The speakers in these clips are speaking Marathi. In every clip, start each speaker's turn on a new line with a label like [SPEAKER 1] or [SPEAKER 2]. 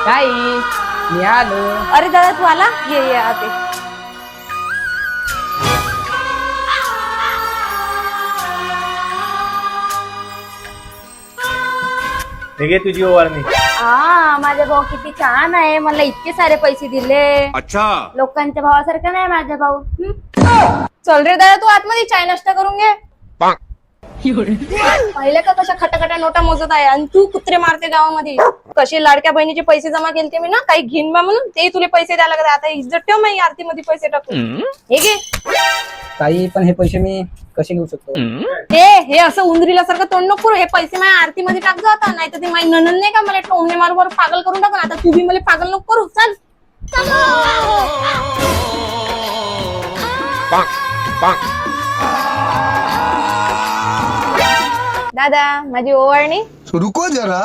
[SPEAKER 1] ताई मी आलो.
[SPEAKER 2] अरे दादा तू आला, ये आते.
[SPEAKER 3] घे तुझी ओवारणी.
[SPEAKER 2] माझा भाऊ किती छान आहे, मला इतके सारे पैसे दिले.
[SPEAKER 4] अच्छा
[SPEAKER 2] लोकांच्या भावासारखं नाही माझा भाऊ. चल रे दादा तू आतमध्ये चाय नाश्ता करून घे. पहिले का कशा खटाखटा नोटा मोजत आहे आणि तू कुत्रे मारते गावामध्ये. कसे लाडक्या बहिणीचे पैसे जमा केलते मी ना, काही घेईन बा म्हणून ते तुला पैसे द्यायला लागले. आता इज्जत ठेव, मी आरतीमध्ये पैसे टाकून. हे घे.
[SPEAKER 1] ताई पण हे पैसे मी कसे घेऊ शकतो?
[SPEAKER 2] हे असं उंदरीला सारखं तोंड नको करू. हे पैसे माझ्या आरतीमध्ये टाक जाता, नाही तर ते माझी ननंद नाही का मला टोमणे मारून पागल करून टाकून. आता तू बी मला पागल नको करू. चल दादा माझी ओवाळणी.
[SPEAKER 4] रुको जरा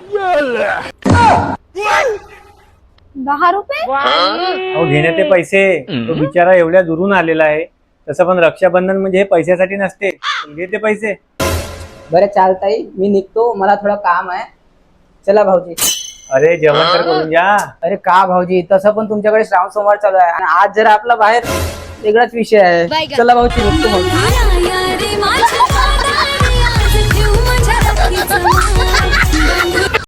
[SPEAKER 2] 10 रुपये.
[SPEAKER 3] अहो घेण्यात ते पैसे. तो बिचारा एवढ्या दुरून आलेला आहे. तसं पण रक्षाबंधन म्हणजे हे पैशासाठी नसते. घे ते पैसे.
[SPEAKER 1] बरं चाल ताई, मी निघतो, मला थोडं काम आहे. चला भाऊजी.
[SPEAKER 3] अरे जेवण तर करून जा.
[SPEAKER 1] अरे का भाऊजी, तसं पण तुमच्याकडे श्रावण सोमवार चालू आहे आणि आज जरा आपला बाहेर वेगळाच विषय आहे. चला भाऊजी, निघतो भाऊजी.